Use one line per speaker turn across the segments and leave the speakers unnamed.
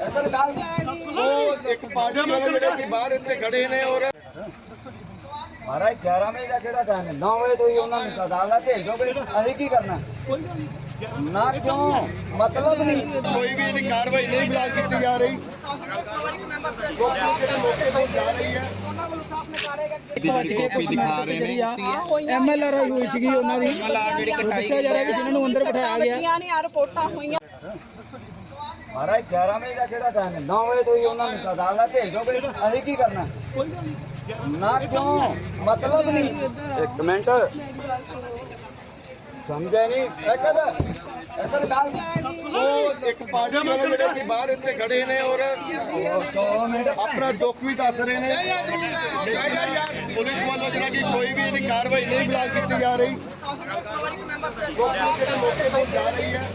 एक पार्टी वाले ਜਿਹੜੇ ਬਾਹਰ ਇੱਥੇ ਖੜੇ ਨੇ ਔਰ
महाराज 11 बजे का केड़ा टाइम है 9 बजे तो ही उन्होंने अदालत भेजोगे अभी की करना ना क्यों मतलब नहीं
ਕੋਈ ਵੀ ਇਹਦੀ ਕਾਰਵਾਈ ਨਹੀਂ ਫਿਲਹਾਲ ਕੀਤੀ ਜਾ ਰਹੀ ਜਾ ਰਹੀ ਹੈ
ਜਿਹੜੀ ਕਾਪੀ ਦਿਖਾ ਰਹੇ ਨੇ
ਐਮਐਲਆਰ ਹੋਈ ਸੀਗੀ ਉਹਨਾਂ ਦੀ ਦੱਸਿਆ ਜਾ ਰਿਹਾ ਕਿ ਜਿਨ੍ਹਾਂ ਨੂੰ ਅੰਦਰ ਬਿਠਾਇਆ ਗਿਆ
ਬੱਚੀਆਂ ਨੇ ਰਿਪੋਰਟਾਂ ਹੋਈਆਂ
महाराज 11 बजे का केड़ा टाइम है 9 बजे तो ही उन्होंने अदालत भेजोगे अभी की करना ना क्यों मतलब नहीं एक मिनट समझे नहीं
ਉਹ ਇੱਕ ਪਾਰਟੀ ਵਾਲੇ ਜਿਹੜੇ ਬਾਹਰ ਇੱਥੇ ਖੜੇ ਨੇ ਔਰ ਆਪਣਾ ਦੁੱਖ ਵੀ ਦੱਸ ਰਹੇ ਨੇ ਪੁਲਿਸ ਵੱਲੋਂ ਜਿਹੜਾ ਕਿ ਕੋਈ ਵੀ ਇਹਦੀ ਕਾਰਵਾਈ ਨਹੀਂ ਫਿਲਹਾਲ ਕੀਤੀ ਜਾ ਰਹੀ ਜਾ ਰਹੀ ਹੈ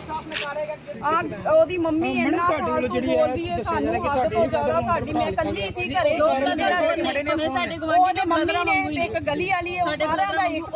ਉਹਦੀ ਮੰਮੀ ਇੰਨਾ ਫਾਲਤੂ ਬੋਲਦੀ ਹੈ ਸਾਨੂੰ ਹੱਦ ਤੋਂ ਜ਼ਿਆਦਾ ਸਾਡੀ ਮੈਂ ਇਕੱਲੀ ਸੀ ਘਰੇ ਦੋ ਬ੍ਰਦਰ ਖੜੇ ਨੇ ਸਾਡੇ ਗਵਾਂਢੀ ਦੇ ਮੰਮੀ ਨੇ ਤੇ ਇੱਕ ਗਲੀ ਵਾਲੀ ਹੈ ਸਾਰਿਆਂ ਦਾ ਇੱਕ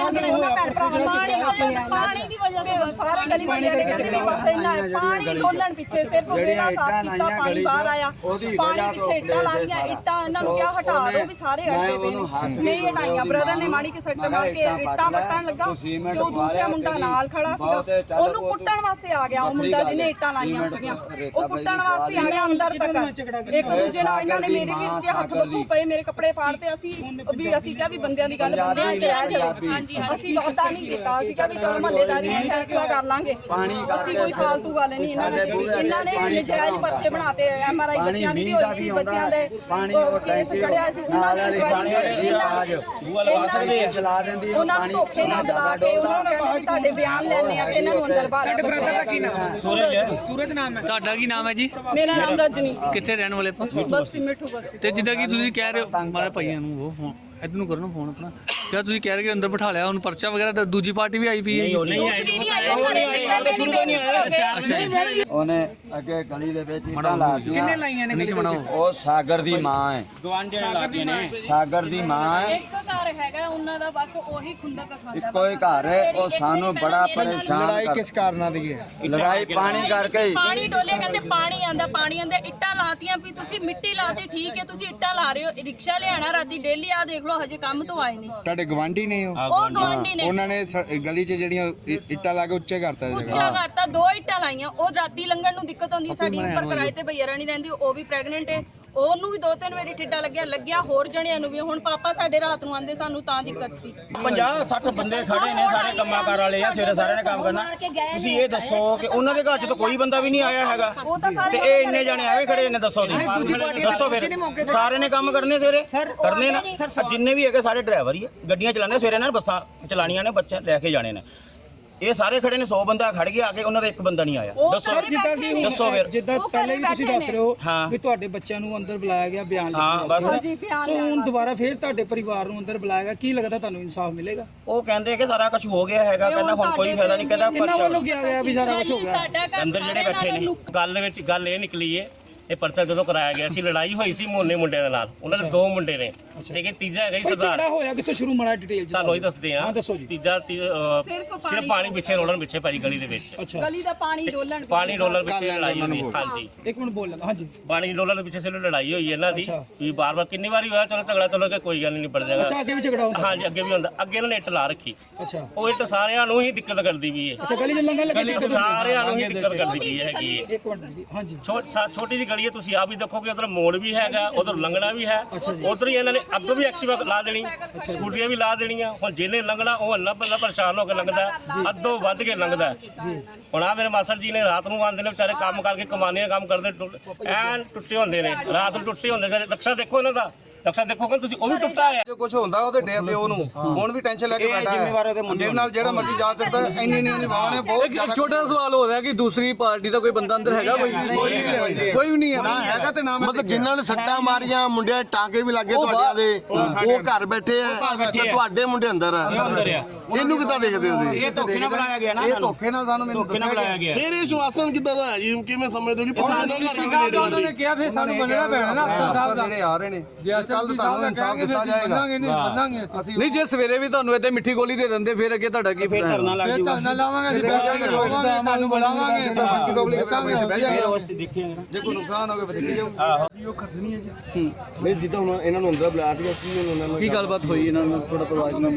ਪਾਣੀ ਦੀ ਵਜ੍ਹਾ ਤੋਂ ਸਾਰੇ ਗਲੀ ਵਾਲੇ ਕਹਿੰਦੇ ਵੀ ਬਸ ਇੰਨਾ ਪਾਣੀ ਡੋਲਣ ਪਿੱਛੇ ਸਿਰਫ ਮੇਰਾ ਸਾਥ ਕੀਤਾ ਪਾਣੀ ਬਾਹਰ ਆਇਆ ਪਾਣੀ ਪਿੱਛੇ ਇੱਟਾਂ ਲਾਈਆਂ ਇੱਟਾਂ ਇਹਨਾਂ ਨੂੰ ਕਿਹਾ ਹਟਾ ਦਿਓ ਵੀ ਸਾਰੇ ਅੜਦੇ ਪਏ ਨੇ ਨਹੀਂ ਹਟਾਈਆਂ ਬ੍ਰਦਰ ਨੇ ਮਾੜੀ ਕਿ ਸੱਟ ਮਾਰ ਕੇ ਇੱਟਾਂ ਵੱਟਣ ਲੱਗਾ ਤੇ ਉਹ ਦੂਸਰਾ ਮੁੰਡਾ ਨਾਲ ਖੜਾ ਸੀਗਾ ਉਹਨੂੰ ਕੁੱਟਣ ਵਾਸਤੇ ਆ ਗਿਆ ਉਹ ਮੁੰਡਾ ਜਿਹਨੇ ਇੱਟਾਂ ਲਾਈਆਂ ਸੀਗੀਆਂ ਉਹ ਕੁੱਟਣ ਵਾਸਤੇ ਆ ਗਿਆ ਅੰਦਰ ਤੱਕ ਇੱਕ ਦੂਜੇ ਨਾਲ ਇਹਨਾਂ ਨੇ ਮੇਰੇ ਵੀਰ 'ਚ ਹੱਥ ਬੱਕੂ ਪਏ ਮੇਰੇ ਕੱਪੜੇ ਪਾੜਤੇ ਅਸੀਂ ਕਿਹਾ ਵੀ ਬੰਦਿਆਂ ਦੀ ਗੱਲ ਬੰਦਿਆਂ 'ਚ ਰਹਿ ਜਾਵੇ ਅਸੀਂ ਵਾਅਦਾ ਨਹੀਂ ਕੀਤਾ ਅਸੀਂ ਕਿਹਾ ਵੀ ਚਲੋ ਮਹੱਲੇਦਾਰੀ ਨੇ ਫੈਸਲਾ ਕਰ ਲਾਂਗੇ ਅਸੀਂ ਕੋਈ ਫਾਲਤੂ ਗੱਲ ਨਹੀਂ ਇਹਨਾਂ ਨੇ ਨਜਾਇਜ਼ ਪਰਚੇ ਬਣਾਤੇ ਐਮਆਰਆਈ ਬੱਚਿਆਂ ਦੀ ਵੀ ਹੋਈ ਸੀ ਬੱਚਿਆਂ ਦੇ ਕੇਸ ਚੜਿਆ ਸੀ ਉਹਨਾਂ ਨੂੰ ਧੋਖੇ ਨਾਲ ਬੁਲਾ ਕੇ ਉਹਨਾਂ ਨੂੰ ਕਹਿੰਦੇ ਵੀ ਤੁਹਾਡੇ ਬਿਆਨ ਲੈਣੇ ਆ ਤੇ ਇਹਨਾਂ ਨੂੰ ਅੰਦਰ ਬਾਹਰ
ਤੁਹਾਡੇ ਬ੍ਰਦਰ ਦਾ ਕੀ ਨਾਮ ਹੈ ਸੂਰਜ ਨਾਮ ਹੈ
ਤੁਹਾਡਾ ਕੀ ਨਾਮ ਹੈ ਜੀ?
ਮੇਰਾ ਨਾਮ ਰਜਨੀ
ਕਿੱਥੇ ਰਹਿਣ ਵਾਲੇ ਆਪਾਂ?
ਬਸਤੀ ਮਿੱਠੂ ਬਸਤੀ
ਤੇ ਜਿੱਦਾਂ ਕਿ ਤੁਸੀਂ ਕਹਿ ਰਹੇ ਹੋ ਮਾਰੇ ਭਾਈਆਂ ਨੂੰ ਉਹ ਫੋਨ ਇੱਧਰ ਨੂੰ ਕਰੋ ਨਾ ਫੋਨ ਆਪਣਾ ਕਿਆ ਤੁਸੀਂ ਕਹਿ ਰਹੇ ਕਿ ਅੰਦਰ ਬਿਠਾ ਲਿਆ ਉਹਨੂੰ ਪਰਚਾ ਵਗੈਰਾ ਦੂਜੀ ਪਾਰਟੀ ਵੀ ਆਈ ਪਈ ਹੈ
ਉਹਨੇ ਅੱਗੇ ਗਲੀ ਦੇ ਵਿੱਚ ਇੱਟਾਂ ਲਾ ਦਿੱਤੀਆਂ
ਕਿੰਨੇ ਲਾਈਆਂ ਨੇ
ਨੀਚ ਬਣਾਓ
ਉਹ ਸਾਗਰ ਦੀ ਮਾਂ ਹੈ
ਗਵਾਂਢੀਆਂ ਲਾਗੇ ਨੇ
ਸਾਗਰ ਦੀ ਮਾਂ ਹੈ
ਇੱਕ ਘਰ ਹੈਗਾ ਉਹਨਾਂ ਦਾ ਬਸ ਉਹੀ ਖੁੰਦਕ ਖਾਂਦਾ
ਇੱਕੋ ਹੀ ਘਰ ਹੈ ਉਹ ਸਾਨੂੰ ਬੜਾ ਪਰੇਸ਼ਾਨ
ਲੜਾਈ ਕਿਸ ਕਾਰਨਾਂ ਦੀ ਹੈ
ਲੜਾਈ ਪਾਣੀ ਕਰਕੇ ਹੀ
ਪਾਣੀ ਡੋਲੇ ਕਹਿੰਦੇ ਪਾਣੀ ਆਂਦਾ ਇੱਟਾਂ ਲਾਤੀਆਂ ਵੀ ਤੁਸੀਂ ਮਿੱਟੀ ਲਾਤੀ ਠੀਕ ਹੈ ਤੁਸੀਂ ਇੱਟਾਂ ਲਾ ਰਹੇ ਹੋ ਰਿਕਸ਼ਾ ਲਿਆਣਾ ਰਾਤੀ ਡੇਲੀ ਆ ਦੇਖ ਲਓ ਹਜੇ ਕੰਮ ਤੋਂ ਆਏ ਨਹੀਂ
ਤੁਹਾਡੇ ਗਵਾਂਢੀ ਨੇ ਉਹ
ਗਵਾਂਢੀ ਨੇ
ਉਹਨਾਂ ਨੇ ਗਲੀ 'ਚ ਜਿਹੜੀਆਂ ਇੱਟਾਂ ਲਾ ਕੇ ਉੱਚੇ ਕਰਤਾ
ਉੱਚਾ ਕਰਤਾ 2 ਇੱਟਾਂ ਲਾਈਆਂ ਉਹ ਰਾਤੀ ਲੰਘਣ ਨੂੰ ਦਿੱਕਤ ਹੁੰਦੀ ਸਾਡੀ ਉੱਪਰ ਕਿਰਾਏ ਤੇ ਭਈਆ ਰਾਣੀ ਰਹਿੰਦੀ ਉਹ ਵੀ ਪ੍ਰੈਗਨੈਂਟ ਹੈ ਉਹਨੂੰ ਵੀ 2-3 ਵਾਰੀ ਠਿੱਡਾ ਲੱਗਿਆ ਹੋਰ ਜਣਿਆਂ ਨੂੰ ਵੀ ਹੁਣ ਪਾਪਾ ਸਾਡੇ ਰਾਤ ਨੂੰ ਆਂਦੇ ਸਾਨੂੰ ਤਾਂ ਦਿੱਕਤ ਸੀ
50-60 ਬੰਦੇ ਖੜੇ ਨੇ ਸਾਰੇ ਕੰਮਾਂ ਕਾਰ ਵਾਲੇ ਆ ਸਵੇਰੇ ਸਾਰਿਆਂ ਨੇ ਕੰਮ ਕਰਨਾ ਤੁਸੀਂ ਇਹ ਦੱਸੋ ਕਿ ਉਹਨਾਂ ਦੇ ਘਰ 'ਚ ਤਾਂ ਕੋਈ ਬੰਦਾ ਵੀ ਨਹੀਂ ਆਇਆ ਹੈਗਾ ਤੇ ਇਹ ਇੰਨੇ ਜਣੇ ਐਵੇਂ ਖੜੇ ਨੇ ਦੱਸੋ ਦੱਸੋ ਫਿਰ ਸਾਰੇ ਨੇ ਕੰਮ ਕਰਨੇ ਸਵੇਰੇ ਕਰਨੇ ਨਾ ਜਿੰਨੇ ਵੀ ਹੈਗੇ ਸਾਰੇ ਡਰਾਈਵਰ ਹੀ ਆ ਗੱਡੀਆਂ ਚਲਾਉਂਦੇ ਸਵੇਰੇ ਨਾਲ ਬੱਸਾਂ ਚਲਾਣੀਆਂ ਨੇ ਬੱਚੇ ਲੈ ਕੇ ਜਾਣੇ ਨੇ ਇਹ ਸਾਰੇ ਖੜੇ ਨੇ 100 ਬੰਦਾ ਖੜ ਗਿਆ ਆ ਕੇ ਉਹਨਾਂ ਦਾ ਇੱਕ ਬੰਦਾ ਨਹੀਂ ਆਇਆ ਦੱਸੋ ਫਿਰ
ਜਿੱਦਾਂ ਪਹਿਲੇ ਵੀ ਤੁਸੀਂ ਦੱਸ ਰਹੇ ਹੋ ਵੀ ਤੁਹਾਡੇ ਬੱਚਿਆਂ ਨੂੰ ਅੰਦਰ ਬੁਲਾਇਆ ਗਿਆ ਬਿਆਨ
ਹਾਂ ਬਸ
ਸੋ ਹੁਣ ਦੁਬਾਰਾ ਫੇਰ ਤੁਹਾਡੇ ਪਰਿਵਾਰ ਨੂੰ ਅੰਦਰ ਬੁਲਾਇਆ ਗਿਆ ਕੀ ਲੱਗਦਾ ਤੁਹਾਨੂੰ ਇਨਸਾਫ ਮਿਲੇਗਾ
ਉਹ ਕਹਿੰਦੇ ਕਿ ਸਾਰਾ ਕੁਝ ਹੋ ਗਿਆ ਹੈਗਾ ਕਹਿੰਦਾ ਹੁਣ ਕੋਈ ਫਾਇਦਾ ਨਹੀਂ ਕਹਿੰਦਾ
ਇਹਨਾਂ ਵੱਲੋਂ ਕਿਹਾ ਗਿਆ ਵੀ ਸਾਰਾ ਕੁਝ ਹੋ ਗਿਆ
ਅੰਦਰ ਜਿਹੜੇ ਬੈਠੇ ਨੇ ਗੱਲ ਦੇ ਵਿੱਚ ਗੱਲ ਇਹ ਨਿਕਲੀ ਏ ਇਹ ਪਰਚਾ ਜਦੋਂ ਕਰਾਇਆ ਗਿਆ ਸੀ ਲੜਾਈ ਹੋਈ ਸੀ ਮੋਨੇ ਮੁੰਡਿਆਂ ਦੇ ਨਾਲ ਉਹਨਾਂ ਦੇ 2 ਮੁੰਡੇ ਨੇ ਲੇਕਿਨ ਤੀਜਾ ਹੈਗਾ ਜੀ ਸਰਦਾਰ
ਝਗੜਾ ਹੋਇਆ ਕਿੱਥੋਂ ਸ਼ੁਰੂ ਮਾੜਾ ਡਿਟੇਲ
ਤੁਹਾਨੂੰ ਹੀ ਦੱਸਦੇ ਆ
ਦੱਸੋ ਜੀ
ਤੀਜਾ ਸਿਰਫ ਪਾਣੀ ਪਿੱਛੇ ਰੋਲਣ ਪਿੱਛੇ ਭਾਜੀ ਗਲੀ ਦੇ ਵਿੱਚ
ਗਲੀ ਦਾ ਪਾਣੀ ਡੋਲਣ
ਪਿੱਛੇ ਲੜਾਈ ਹੋਈ ਹਾਂਜੀ
ਇੱਕ ਮਿੰਟ ਬੋਲ ਲੈਣਾ ਹਾਂਜੀ
ਪਾਣੀ ਡੋਲਣ ਦੇ ਪਿੱਛੇ ਸਿਰ ਲੜਾਈ ਹੋਈ ਇਹਨਾਂ ਦੀ ਵੀ ਬਾਰ-ਬਾਰ ਕਿੰਨੀ ਵਾਰੀ ਹੋਇਆ ਚਲੋ ਝਗੜਾ ਚਲੋ ਕਿ ਕੋਈ ਗੱਲ ਨਹੀਂ ਨਿਬੜ ਜਾਏਗਾ
ਅੱਛਾ ਅੱਗੇ ਵੀ ਝਗੜਾ ਹੁੰਦਾ
ਹਾਂਜੀ ਅੱਗੇ ਵੀ ਹੁੰਦਾ ਅੱਗੇ ਇਹਨਾਂ ਨੇ ਇੱਟ ਲਾ ਰੱਖੀ
ਅੱਛਾ
ਉਹ ਇੱਟ ਸਾਰਿਆਂ ਨੂੰ ਹੀ ਦਿੱਕਤ ਕਰਦੀ ਵੀ
ਅੱਛਾ ਗਲੀ ਚ ਲੰਘਣ ਲੱਗੇ
ਸਾਰਿਆਂ ਨੂੰ ਹੀ ਦਿੱਕਤ ਕਰਦੀ ਵੀ ਹੈਗੀ ਹੈ
ਇੱਕ ਮਿੰਟ ਜੀ ਹਾਂਜੀ
ਛੋਟੀ ਜਿਹੀ ਗਲੀ ਹੈ ਤੁਸੀਂ ਆਪ ਹੀ ਦੇਖੋ ਕਿ ਉਧਰ ਮੋੜ ਵੀ ਹੈਗਾ ਉਧਰ ਲੰਘਣਾ ਵੀ ਹੈ ਉਧਰ ਹੀ ਇਹਨਾਂ ਨੇ ਅੱਗ ਵੀ ਐਕਟਿਵਾ ਲਾ ਦੇਣੀ ਸਕੂਟਰੀਆਂ ਵੀ ਲਾ ਦੇਣੀਆਂ ਹੁਣ ਜਿਹਨੇ ਲੰਘਣਾ ਉਹ ਅੱਲਾ ਬੱਲਾ ਪਰੇਸ਼ਾਨ ਹੋ ਕੇ ਲੰਘਦਾ ਅੱਧੋ ਵੱਧ ਕੇ ਲੰਘਦਾ ਹੁਣ ਆ ਮੇਰੇ ਮਾਸਟਰ ਜੀ ਨੇ ਰਾਤ ਨੂੰ ਆਉਂਦੇ ਨੇ ਵਿਚਾਰੇ ਕੰਮ ਕਰਕੇ ਕਮਾਨੀਆਂ ਕੰਮ ਕਰਦੇ ਐਨ ਟੁੱਟੇ ਹੁੰਦੇ ਨੇ ਰਾਤ ਨੂੰ ਟੁੱਟੇ ਹੁੰਦੇ ਨੇ ਰਕਸ਼ਾ ਦੇਖੋ ਇਹਨਾਂ ਦਾ ਰਕਸ਼ਾ ਦੇਖੋ ਕਿ ਤੁਸੀਂ ਉਹ ਵੀ ਟੁੱਟਾ ਹੈ
ਜੋ ਕੁਝ ਹੁੰਦਾ ਉਹਦੇ ਡੇ ਪਿਓ ਨੂੰ ਹੁਣ ਵੀ ਟੈਨਸ਼ਨ ਲੈ ਕੇ ਬੈਠਾ ਹੈ ਮੇਰੇ ਨਾਲ ਜਿਹੜਾ ਮਰਜ਼ੀ ਜਾ ਸਕਦਾ ਇੰਨੀ ਨਹੀਂ ਵਾਹ ਨੇ ਬਹੁਤ
ਇੱਕ ਛੋਟਾ ਸਵਾਲ ਹੋ ਰਿਹਾ ਕਿ ਦੂਸਰੀ ਪਾਰਟੀ ਦਾ ਕੋਈ ਬੰਦਾ ਅੰਦਰ ਹੈਗਾ ਕੋਈ ਵੀ ਨਹੀਂ ਹੈ
ਨਾ ਹੈਗਾ ਤੇ ਨਾ ਮਤਲਬ ਜਿਨ੍ਹਾਂ ਨੇ ਸੱਟਾਂ ਮਾਰੀਆਂ ਮੁੰਡਿਆਂ ਟਾਂਕੇ ਵੀ ਲੱਗੇ ਤੁਹਾਡਿਆਂ ਦੇ ਉਹ ਘਰ ਬੈਠੇ ਆ ਤੇ ਤੁਹਾਡੇ ਮੁੰਡੇ ਅੰਦਰ ਆ ਇਹਨੂੰ ਕਿੱਦਾਂ ਦੇਖਦੇ ਹੋ ਤੁਸੀਂ?
ਇਹ ਧੋਖੇ ਨਾਲ ਬੁਲਾਇਆ ਗਿਆ ਨਾ
ਇਹ ਧੋਖੇ ਨਾਲ ਸਾਨੂੰ ਮੈਨੂੰ
ਧੋਖੇ ਨਾਲ ਬੁਲਾਇਆ ਗਿਆ
ਫਿਰ ਇਹ ਸ਼ਵਾਸਨ ਕਿੱਦਾਂ ਦਾ ਹੈ ਜੀ? ਕਿਵੇਂ ਸਮਝਦੇ ਹੋ ਕਿ ਪੁਲਿਸ ਉਹਨਾਂ ਘਰ ਕਿਵੇਂ ਨੇੜੇ
ਉਹਨਾਂ ਨੇ ਕਿਹਾ ਫਿਰ ਸਾਨੂੰ ਮੰਨਣਾ ਪੈਣਾ ਨਾ ਅਫਸਰ ਸਾਹਿਬ ਦਾ ਜਿਹੜੇ ਆ ਰਹੇ ਨੇ ਕੱਲ ਤੁਹਾਨੂੰ ਇਨਸਾਫ ਦਿੱਤਾ ਜਾਏਗਾ ਅਸੀਂ
ਨਹੀਂ ਜੇ ਸਵੇਰੇ ਵੀ ਤੁਹਾਨੂੰ ਇੱਥੇ ਮਿੱਠੀ ਗੋਲੀ ਦੇ ਦਿੰਦੇ ਫਿਰ ਅੱਗੇ ਤੁਹਾਡਾ ਕੀ
ਫਿਰ ਧਰਨਾ ਲੱਗ ਜੂਗਾ
ਧਰਨਾ ਲਾਵਾਂਗੇ ਅਸੀਂ ਬਹਿ ਜਾਵਾਂਗੇ ਤੁਹਾਨੂੰ ਬੁਲਾਵਾਂਗੇ ਤਾਂ ਬਾਕੀ ਪਬਲਿਕ ਬਹਿ ਜਾਵਾਂਗੇ
ਉਸ ਤੇ ਦੇਖੀਏ
ਜੇ ਕੋਈ ਨੁਕਸਾਨ ਹੋ ਗਿਆ ਫਿਰ ਦੇਖੀ ਜਾਊ
ਨਹੀਂ ਜਿੱਦਾਂ ਹੁਣ ਇਹਨਾਂ ਨੂੰ ਅੰਦਰ ਬੁਲਾਇਆ ਸੀਗਾ ਕੀ ਉਹਨਾਂ ਨਾਲ
ਕੀ ਗੱਲਬਾਤ ਹੋਈ ਇਹਨਾਂ ਨਾਲ ਥੋੜਾ ਪਰਵਾਜ ਨਾਲ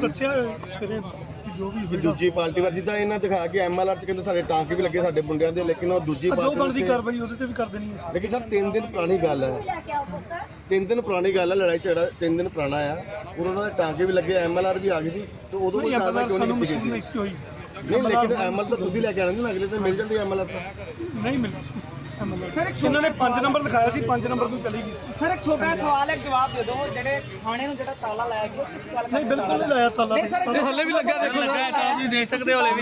ਵੀ ਦੂਜੀ ਪਾਰਟੀ ਵਾਰ ਜਿੱਦਾਂ ਇਹਨਾਂ ਦਿਖਾ ਕੇ ਐਮਐਲਆਰ ਚ ਕਹਿੰਦੇ ਸਾਡੇ ਟਾਂਕੇ ਵੀ ਲੱਗੇ ਸਾਡੇ ਮੁੰਡਿਆਂ ਦੇ, ਲੇਕਿਨ ਉਹ ਦੂਜੀ ਪਾਰਟੀ ਬਣਦੀ ਕਾਰਵਾਈ ਉਹਦੇ ਤੇ ਵੀ ਕਰ ਦੇਣੀ ਹੈ। ਲੇਕਿਨ ਸਰ 3 ਦਿਨ ਪੁਰਾਣੀ ਗੱਲ ਹੈ, 3 ਦਿਨ ਪੁਰਾਣੀ ਗੱਲ ਹੈ, ਲੜਾਈ ਝਗੜਾ 3 ਦਿਨ ਪੁਰਾਣਾ ਆ, ਔਰ ਉਹਨਾਂ ਦੇ ਟਾਂਕੇ ਵੀ ਲੱਗੇ, ਐਮਐਲਆਰ ਵੀ ਆ ਗਈ ਸੀ, ਤੇ ਉਦੋਂ ਕੋਈ ਕਾਰਵਾਈ ਕਿਉਂ ਨਹੀਂ ਕੀਤੀ ਗਈ? ਨਹੀਂ ਲੇਕਿਨ ਐਮਐਲ ਤਾਂ ਤੁਸੀਂ ਲੈ ਕੇ ਆਣੇ ਸੀ, ਅਗਲੇ ਤੇ ਮਿਲ ਜਾਂਦੀ ਐਮਐਲਆਰ ਤਾਂ
ਨਹੀਂ ਮਿਲੀ ਸੀ ਇਹਨਾਂ ਨੇ 5 ਨੰਬਰ ਲਿਖਾਇਆ ਸੀ, 5 ਨੰਬਰ ਤੋਂ ਚਲੀ ਗਈ ਸੀ।
ਸਰ ਇੱਕ ਛੋਟਾ ਸਵਾਲ ਹੈ, ਜਵਾਬ ਦੇ ਦਿਓ। ਜਿਹੜੇ ਥਾਣੇ ਨੂੰ ਜਿਹੜਾ ਤਾਲਾ ਲਾਇਆ ਗਿਆ ਕਿਸ ਗੱਲ
ਨਹੀਂ ਬਿਲਕੁਲ ਨਹੀਂ ਲਾਇਆ ਤਾਲਾ।
ਹੱਲੇ ਵੀ ਲੱਗਾ ਦੇਖੋ ਤੁਸੀਂ ਦੇਖ ਸਕਦੇ ਹੋ ਹਲੇ ਵੀ